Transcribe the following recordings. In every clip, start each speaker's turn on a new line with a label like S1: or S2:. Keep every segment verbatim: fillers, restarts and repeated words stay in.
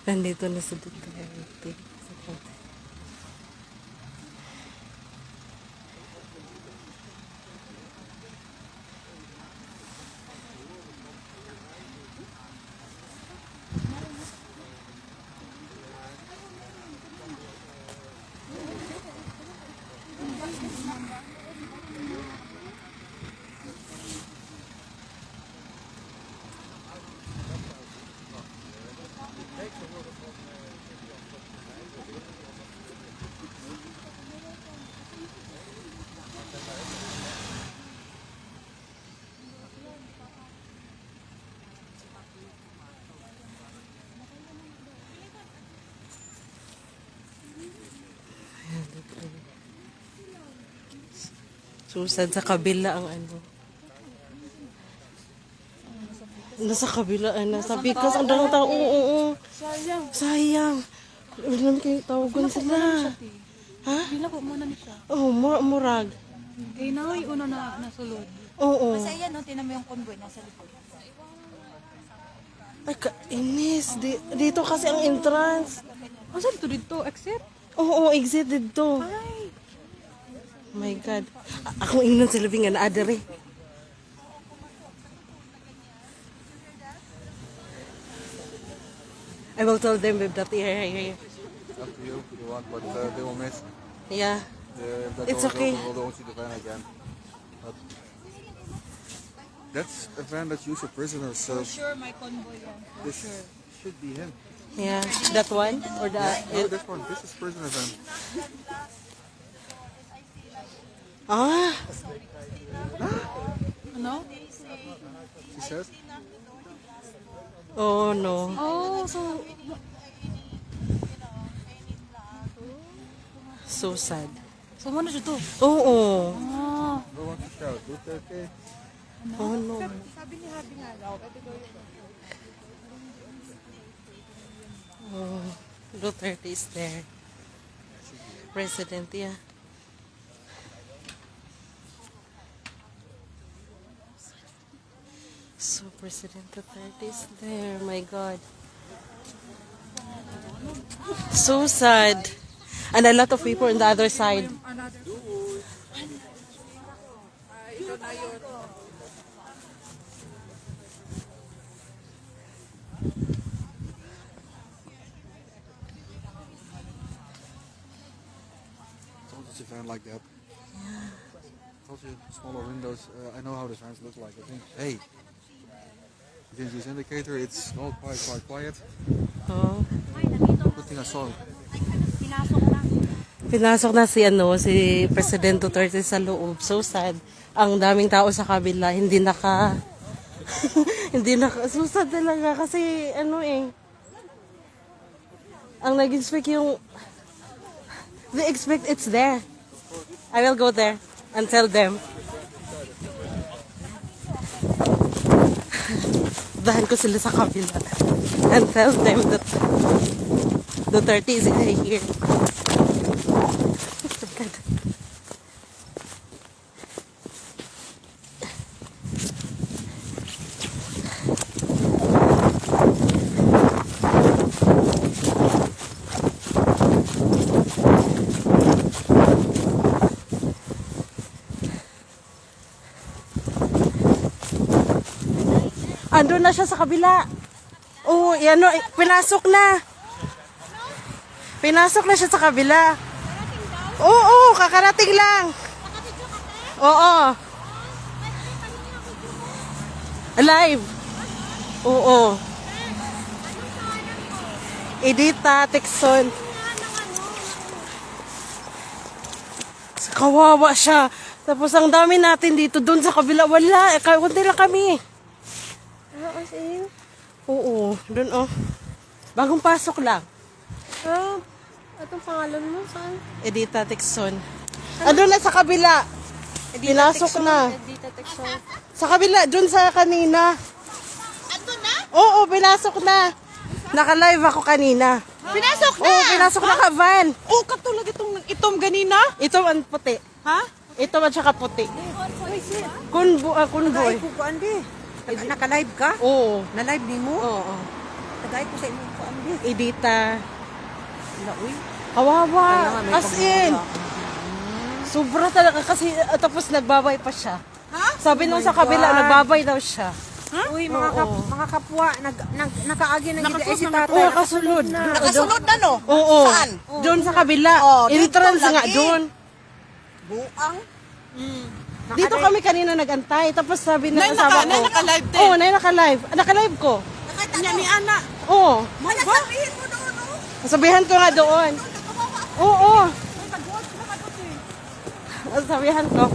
S1: Nandito na sa Duterte. Susad sa kabila ang ano. Nasa kabila, ah, nasa pikas. Ang daming tao. Oo, oo, oo.
S2: Sayang.
S1: Sayang. Wala naman kayo tawagan sila. Ha?
S2: Bila ko muna ni siya.
S1: Oo, oh, mur murag.
S2: Kaya na yung una na nasulod.
S1: Oo.
S3: Kasi ayan, no, tinan mo yung convoy nasa likod.
S1: Ay, kainis. Di, dito kasi ang entrance.
S2: Asa dito dito? Exit?
S1: Oo, oh, exit dito.
S2: Ay!
S1: Oh my God. A- Akong ingnan sila nga na adere. I will tell them babe that here, here, here.
S4: It's up to you if you want, but uh, they will miss.
S1: Yeah.
S4: Uh, if that
S1: It's
S4: door is
S1: okay.
S4: open, we'll don't see the van again. But that's a van that's used for prisoners, so
S2: Sure, my convoy yan.
S4: this should be him.
S1: Yeah. That one? Or the...
S4: No, this one. This is prisoner van.
S1: Ah!
S2: Ano?
S4: She says.
S1: Oh no.
S2: Oh, so...
S1: So sad.
S2: So, muna siya to?
S1: Oo.
S2: Ah.
S4: No one to shout. Duterte.
S1: Oh no. Oh, Duterte is there. President, yeah. So President Duterte is there. My God. So sad. And a lot of people on the other side.
S4: Told you it's a van like that. Yeah. Told you smaller windows. Uh, I know how the vans look like. I think. Hey. You can use indicator. It's all quite quite quiet.
S1: Oh.
S4: Good thing I saw.
S1: Pinasok na si ano si President Duterte sa loob. So sad. Ang daming tao sa kabila hindi naka hindi naka so sad talaga kasi ano eh ang nag-expect yung they expect it's there. I will go there and tell them. Dahan ko sila sa kabila and tell them that Duterte is here. Andun na siya sa kabila. Oo, yan o, pinasok na. Pinasok na siya sa kabila. Oo, kakarating lang. Oo. Alive. Oo. Edita, Texon. Kawawa siya. Tapos ang dami natin dito, doon sa kabila, wala. Eh, kunti lang kami.
S3: Ah, as in?
S1: Oo, doon oh. Bagong pasok lang.
S3: Ah, itong pangalan mo, saan?
S1: Edita Texon. Andun na sa kabila. Pinasok na.
S3: Edita Texon.
S1: Sa kabila, doon sa kanina.
S3: Andun na?
S1: Oo, pinasok na. Naka-live ako kanina.
S3: Pinasok na!
S1: Oo, pinasok na ka van.
S2: Oh, katulad itong itom ganina?
S1: Ito ang puti.
S2: Ha?
S1: Ito at saka puti.
S3: Uy, sis.
S1: Kunbo, ah, kunboy.
S3: Tagay ko kuan di. Naka-live ka?
S1: Oo.
S3: Na-live ni mo?
S1: Oo.
S3: Tagay ko sa imong kuan.
S1: Edita. Kawawa. As in. Sobra talaga kasi uh, tapos nagbabay pa siya. Sabi nung sa kabila, nagbabay daw siya.
S2: Uy, mga, kap, mga kapwa, nag, nag, nakaagi ng ida si tatay.
S1: Oo, nakasunod.
S3: Nakasunod na no?
S1: Oo.
S3: Saan?
S1: Doon sa kabila.
S3: Oh, dito
S1: Entrance nga
S3: lagi.
S1: doon.
S3: Buang.
S1: Dito kami kanina nagantay. Tapos sabi ng
S2: Nay,
S1: asawa
S2: naka-
S1: ko.
S2: nay, naka-live din.
S1: Oo, nay naka-live. Ah, Naka-live ko.
S2: Niya ni Ana.
S1: Oo.
S3: Wala sabihin mo doon, no?
S1: Sabihan ko nga doon. Oo. Sabihan ko.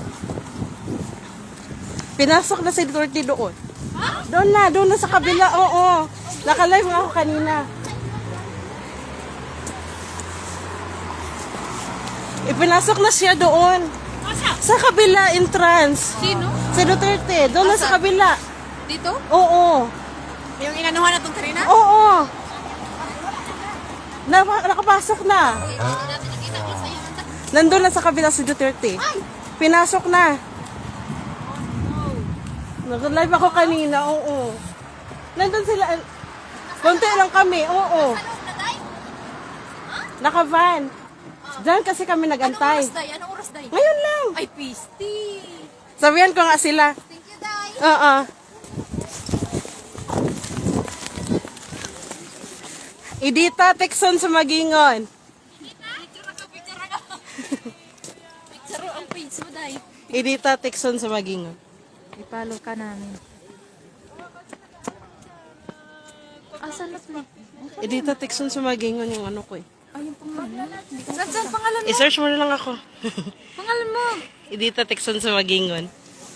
S1: Pinasok na si Dorothy doon. Doon na, doon na sa kabila. Oo. Naka-live nga ako kanina. Ipinasok na siya doon. Sa kabila entrance.
S2: Sino?
S1: Si Duterte. Doon na sa kabila.
S2: Dito?
S1: Oo.
S2: Yung inanuhan na itong Karina?
S1: Oo. Na, nakapasok na. Nandun na sa kabila si Duterte. Pinasok na. Nag-live ako kanina, oo. Nandun sila. Konti lang kami, oo. Naka-van. Diyan kasi kami nagantay.
S2: Day? Anong oras, Day?
S1: Ngayon lang.
S2: Ay, pisti.
S1: Sabihan ko nga sila.
S3: Thank you, Day.
S1: Oo. Idita, Texon sa Magingon.
S2: Saro ang page mo, Day.
S1: Idita, Texon sa Magingon.
S2: Ipalo ka namin. Asan na mo?
S1: Edita Texon sa Magingon yung ano ko eh.
S2: Ay, yung pangalan. Saan, saan pangalan mo?
S1: I-search mo na lang ako.
S2: Pangalan mo?
S1: Edita Texon sa Magingon.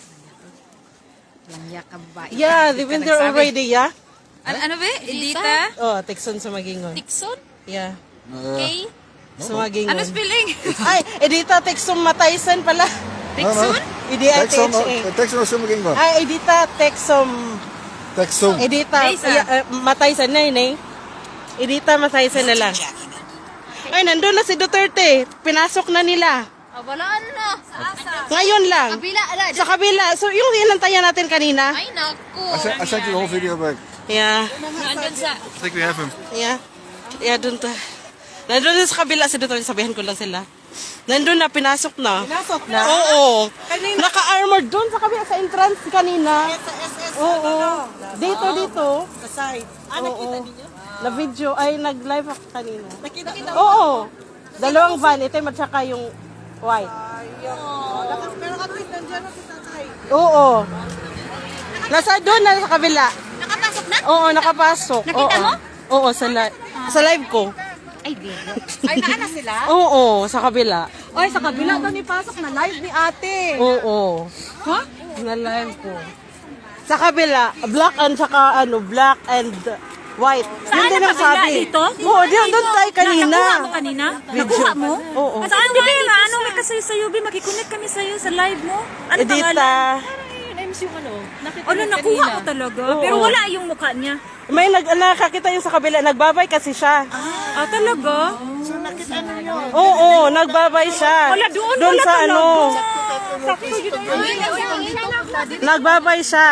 S3: Langya ka ba?
S1: Yeah, they've been there already, yeah?
S2: Ano, ano ba? Edita?
S1: Oh, Texon sa Magingon.
S2: Tikson?
S1: Yeah.
S4: Uh,
S2: K?
S1: Sa Magingon.
S2: Ano spelling?
S1: Ay, Edita Texon Mataysan pala.
S2: Tikson?
S1: E D I T
S4: Texon,
S1: H A.
S4: Texon o Sumagingon?
S1: Ay, Edita Texon.
S4: Texon.
S1: Edita,
S2: Taysan.
S1: yeah, uh, Mataysan na yun eh. Edita Mataysan na lang. Ay, nandun na si Duterte. Pinasok na nila.
S2: Ah, walaan na. Sa asa.
S1: Ngayon lang.
S3: Kabila, ala.
S1: Sa kabila. So, yung inantayan natin kanina.
S2: Ay, naku.
S4: I sent, I sent you the whole video back.
S1: Yeah.
S2: Nandun sa...
S4: I think we have him.
S1: Yeah. Yeah, dun ta. Nandun na sa kabila si Duterte. Sabihan ko lang sila. Nandun na, pinasok na.
S3: Pinasok na?
S1: Oo. Naka-armored dun sa kabila, sa entrance kanina. Oo. Dito, dito.
S3: Sa side. Ah, nakita niyo?
S1: Na video, ay nag-live ako kanina.
S3: Nakita kita.
S1: Oo. Dalawang van, itim at saka yung white.
S3: Pero katwit, nandiyan na si tatay.
S1: Oo. Nasa doon na sa kabila.
S3: Nakapasok na?
S1: Oo, nakapasok.
S3: Nakita
S1: Oo.
S3: mo?
S1: Oo, sa, li- sa live ko.
S3: Ay, bigo. Ay, naana sila?
S1: Oo, sa kabila.
S3: Ay, sa kabila daw ni pasok na live ni ate.
S1: Oo.
S3: Ha?
S1: Na live ko. Sa kabila, black and saka ano, black and white.
S5: Saan
S1: Yun din
S5: na
S1: ang
S5: kabila?
S1: sabi.
S5: Dito?
S1: Oo, doon, doon tayo kanina.
S5: Nakuha mo kanina? Nakuha mo?
S1: Oo.
S5: Saan di ba nga? Ano may kasi sa U B? Makikonnect kami sa'yo sa live mo? Ano
S1: Edita.
S5: pangalan?
S2: Names yung ano. Nakita
S5: Ano, nakuha ko talaga.
S1: Oo.
S5: Pero wala yung mukha niya.
S1: May nag nakakita yung sa kabila, nagbabay kasi siya.
S5: Ah, talaga?
S1: Oo, nagbabay siya.
S5: Wala, doon
S1: Doon
S5: wala
S1: sa
S5: talaga.
S1: ano. Nagbabay siya.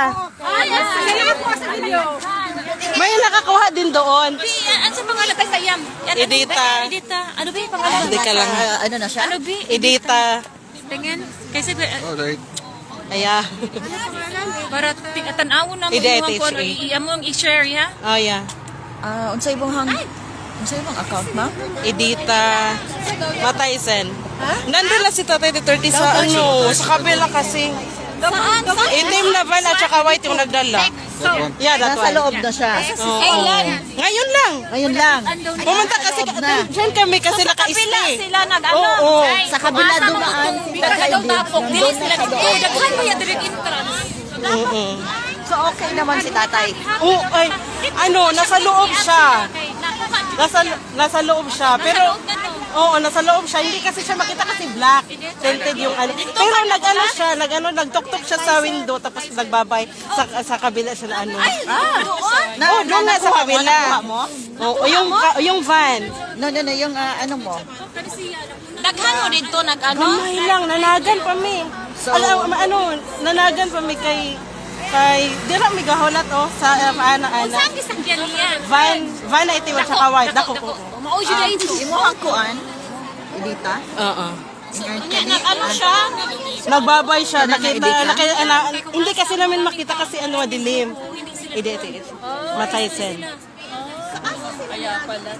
S1: May nakakuha din doon.
S5: Ano sa pangalan tayo sa Yam?
S1: Edita.
S5: Edita. Ano ba yung pangalan?
S1: Hindi ka lang.
S3: ano na siya?
S5: Ano ba?
S1: Edita.
S5: Tingin. Kasi
S4: Oh, they,
S1: Aya.
S5: para tanawon namin
S1: Edita,
S5: yung kung ano,
S1: H A.
S5: i-amo ang i-share, ya?
S1: Oh, yeah.
S3: Ah, unsay ibang hang... Unsay ibang account, ma'am?
S1: Edita Mataysen. Nandun na si Tatay Duterte sa ano, sa kabila kasi.
S3: Saan?
S1: Itim na van at saka white yung nagdala.
S4: that one.
S1: Yeah, that
S3: Nasa
S1: one.
S3: loob na siya.
S1: Oo. Ngayon lang.
S3: Ngayon lang.
S1: Pumunta kasi, dyan kami kasi
S5: Kabila
S1: naka-stay.
S5: sila nag-ano.
S1: Oo.
S3: Sa kabila dumaan.
S5: Daw tapok. Dili sila. Eh, daghan mo yung direct entrance.
S1: Oo.
S3: So, okay naman si tatay.
S1: Oo, ay, ano, nasa loob siya. Nasa, nasa loob siya. Pero, oo, nasa loob siya. Hindi kasi siya makita kasi black. Tinted yung ano. Pero nag-ano siya, nag-ano, nagtok-tok siya sa window tapos nagbabay sa, sa kabila siya na ano.
S3: Na,
S1: Oo, doon nga sa kabila.
S3: Nakuha mo?
S1: Oo, yung, yung van.
S3: No, no, no. Yung ah, ano mo?
S5: Daghan mo dito nag-ano.
S1: Gamay lang, nanagan pa mi.
S3: So-
S1: Alam, ano, nanagan pa mi kay Kay, dira may gahulat oh, sa uh, ana ana.
S5: Saan isang yan?
S1: Van, van na ito at saka white. Dako ko.
S5: Mao siya dahil ito.
S3: Imo hang kuan. Edita.
S1: Oo.
S5: Ano siya?
S1: Nagbabay siya. Nakita, nakita, na, hindi kasi namin makita kasi ano, dilim. Hindi, ito, ito. Mataysen.
S5: Kaya pala.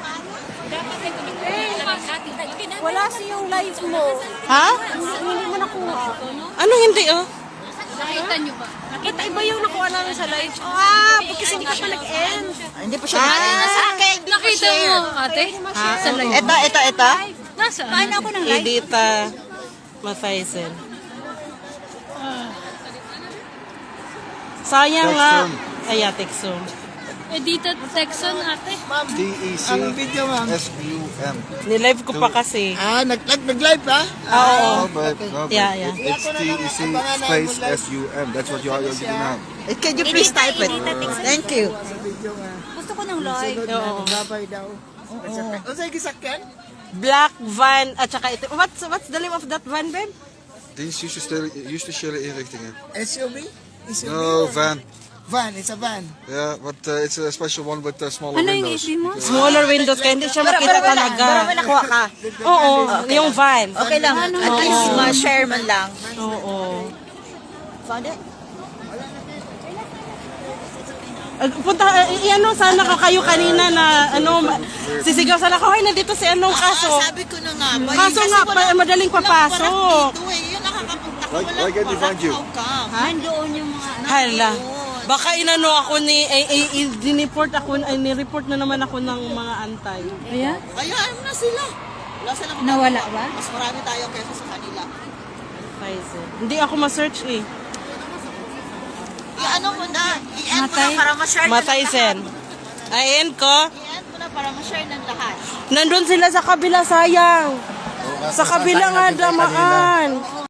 S2: Wala siyang live mo.
S1: Ha?
S2: Hindi mo nakuha.
S1: Ano hindi oh?
S5: Nakita niyo ba?
S2: Nakita iba yung nakuha namin sa live. Ah, kasi hindi ka pa nag-end.
S3: Ah, hindi pa siya na sa akin.
S5: Nakita mo, ate? Sa live.
S3: Ito, ito, ito.
S5: Nasaan?
S2: Paano ako ng live?
S1: Edita Mataysen. Sayang nga. Ay, yeah, Texum.
S5: Edita Texan, ate.
S4: D E C S U M.
S1: Nilive ko pa kasi.
S6: Ah, nag nag nag-live ba?
S1: Oo.
S4: No, but, no, but
S1: Yeah, yeah.
S4: It's D E C space S U M. That's what you are using now.
S3: Eh, Can you please type it? Thank you.
S2: Gusto ko ng live.
S1: Oo.
S6: Babay daw. Ano sa'yo gisakyan?
S1: Black van at saka ito. What's what's the name of that van, babe?
S4: Dienst juist de stille inrichtingen.
S6: S U V? S U V?
S4: No, van.
S6: Van, it's a van.
S4: Yeah, but uh, it's a special one with uh, smaller
S5: Ano yung
S4: windows.
S5: issue mo?
S4: Because-
S1: Smaller windows kaya hindi siya makita talaga.
S3: Pero may nakuha ka.
S1: Oo, yung van.
S3: Okay lang. At least ma-share man lang.
S1: Oo.
S3: Found it?
S1: Ag- Punta, eh, ano, sana ka kayo kanina na, ano, ma- sisigaw sana ko, ay, nandito si anong kaso.
S3: Sabi ko na nga. ba,
S1: Kaso nga, pa, madaling papasok.
S3: Dito eh. Yun nakakapunta ko.
S4: Why, why can't we find you?
S2: Nandoon yung mga
S1: Hala. Baka inano ako ni, ay, ay, ay, diniport ako, ay, nireport na naman ako ng mga antay.
S5: Ayan?
S3: Kaya ano na sila? Wala silang
S5: Nawala ba?
S3: Mas marami tayo kaysa sa kanila.
S1: Pfizer. Hindi ako ma-search eh.
S3: I-ano mo na. I-end mo na para ma-share ng
S1: Mataysen. Ayan ko.
S3: I-end mo na para ma-share ng lahat.
S1: Nandun sila sa kabila, sayang. Sa kabila nga damaan.